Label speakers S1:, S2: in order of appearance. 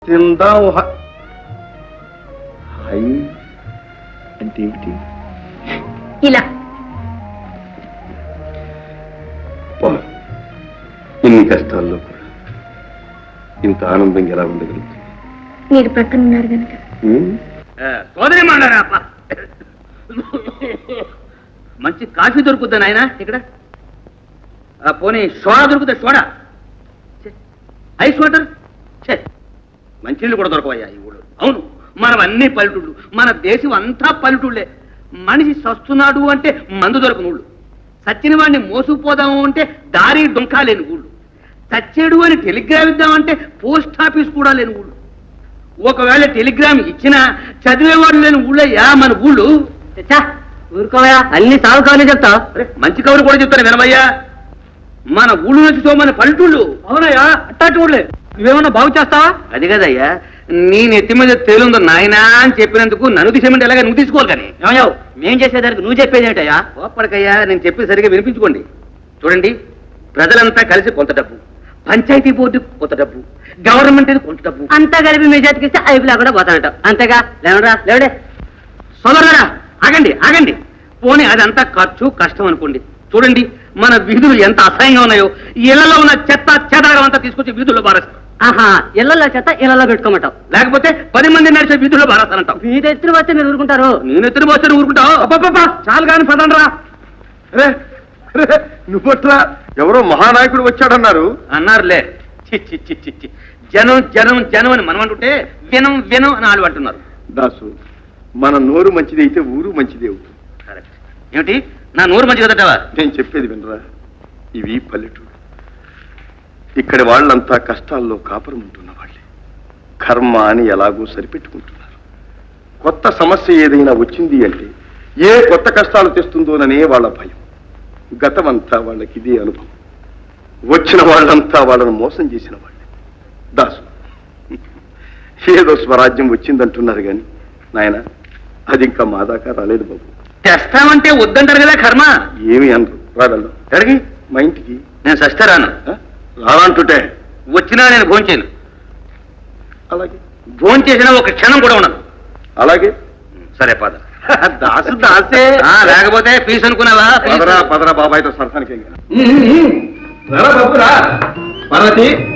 S1: తిందాం హై అంటే ఏమిటి?
S2: ఇలా
S1: ఇన్ని కష్టాల్లో కూడా ఇంత ఆనందంగా ఎలా ఉండగలుగుతుంది?
S2: మీరు ప్రక్కన ఉన్నారు కనుక.
S3: సోదరి మాడారా మంచి కాఫీ దొరుకుద్దా నాయన ఇక్కడ? పోనీ సోడా దొరుకుతా? సోడా, ఐస్ వాటర్, మంచినీళ్ళు కూడా దొరకవయ్యా ఈ ఊళ్ళో. అవును, మనం అన్ని పల్లెటూళ్ళు, మన దేశం అంతా పల్లెటూళ్ళే. మనిషి సస్తున్నాడు అంటే మందు దొరకని ఊళ్ళు, సచ్చిన వాడిని మోసుకుపోదాము అంటే దారి డొంకా లేని ఊళ్ళు, చచ్చేడు అని టెలిగ్రామ్ ఇద్దామంటే పోస్ట్ ఆఫీస్ కూడా లేని ఊళ్ళు. ఒకవేళ టెలిగ్రామ్ ఇచ్చినా చదివేవాడు లేని ఊళ్ళయ్యా మన ఊళ్ళు.
S4: ఊరుకోవయా, అన్ని సాగు కవర్లు చెప్తా.
S3: మంచి కవులు కూడా చెప్తాను వినవయ్యా. మన ఊళ్ళు నుంచి మన పల్లెటూళ్ళు.
S4: అవునయ్యా, అట్టాటి ఊళ్ళే. నువ్వేమన్నా బాగు చేస్తావా?
S3: అది కదయ్యా, నీ నెత్తి మీద తేలుందో నాయనా అని చెప్పినందుకు నన్ను తీసేమంటే ఎలాగ నువ్వు తీసుకోవాలి. కానీ
S4: ఏమయ్యావు, మేం చేసేదానికి నువ్వు చెప్పేది ఏంటయ్యా?
S3: ఓపడికయ్యా, నేను చెప్పి సరిగా వినిపించుకోండి. చూడండి, ప్రజలంతా కలిసి కొంత డబ్బు, పంచాయతీ బోర్డు కొంత డబ్బు, గవర్నమెంట్ కొంత డబ్బు
S4: అంతా కలిపి మీ చేతికి ఇస్తే ఐపులా కూడా పోతానట. అంతేగా? లేవరా లేవడే.
S3: సోదరులారా, ఆగండి ఆగండి. పోనీ అదంతా ఖర్చు కష్టం అనుకోండి. చూడండి, మన వీధులు ఎంత అసహ్యంగా ఉన్నాయో. ఇళ్లలో ఉన్న చెత్త చెదారం అంతా తీసుకొచ్చి వీధుల్లో బారేస్తాం.
S4: ఆహా, ఇళ్లలో చెత్త ఇళ్లలో పెట్టుకోమంటావు,
S3: లేకపోతే 10 మంది నడిచే వీధుల్లో బారేస్తానంటావు.
S4: మీద ఎత్తున వస్తే మీరు ఊరుకుంటారు.
S3: నేను ఎత్తున పోస్తే ఊరుకుంటావు?
S1: చాలు కాని పదండ్రా. నువ్వట్రా, ఎవరో మహానాయకుడు వచ్చాడన్నారు.
S3: అన్నారులే. చి చి చి చి చి. జనం జనం జనం అని మనం అంటుంటే వినం వినం అని వాళ్ళు అంటున్నారు.
S1: దాసు, మన నోరు మంచిది అయితే ఊరు మంచిది అవుతుంది.
S3: కరెక్ట్. ఏమిటి, నా నోరు మంచి కదటవా?
S1: నేను చెప్పేది వినరా, ఇవి పల్లెటూరు. ఇక్కడి వాళ్ళంతా కష్టాల్లో కాపురం ఉంటున్న వాళ్ళే. కర్మ అని ఎలాగో సరిపెట్టుకుంటున్నారు. కొత్త సమస్య ఏదైనా వచ్చింది అంటే ఏ కొత్త కష్టాలు తెస్తుందోననే వాళ్ళ భయం. గతమంతా వాళ్ళకి ఇదే అనుభవం. వచ్చిన వాళ్ళంతా వాళ్ళను మోసం చేసిన వాళ్ళే. దాసు, ఏదో స్వరాజ్యం వచ్చిందంటున్నారు కానీ నాయన, అది ఇంకా మా దాకా రాలేదు బాబు.
S3: తెస్తామంటే వద్దంటారు కదా కర్మ.
S1: ఏమి అనరు. రాగలరు ఎక్కడికి? మా ఇంటికి.
S3: నేను సస్తే రాను.
S1: రానంటుంటే
S3: వచ్చినా నేను భోంచేయను.
S1: అలాగే.
S3: భోంచేసినా ఒక క్షణం కూడా ఉండదు.
S1: అలాగే.
S3: సరే పద.
S1: దాసు దాసే.
S3: లేకపోతే ఫీజు అనుకున్నావా?
S1: పదరా పదరా బాబాయ్తో సరసానికి.
S3: బాబు రా. పార్వతి,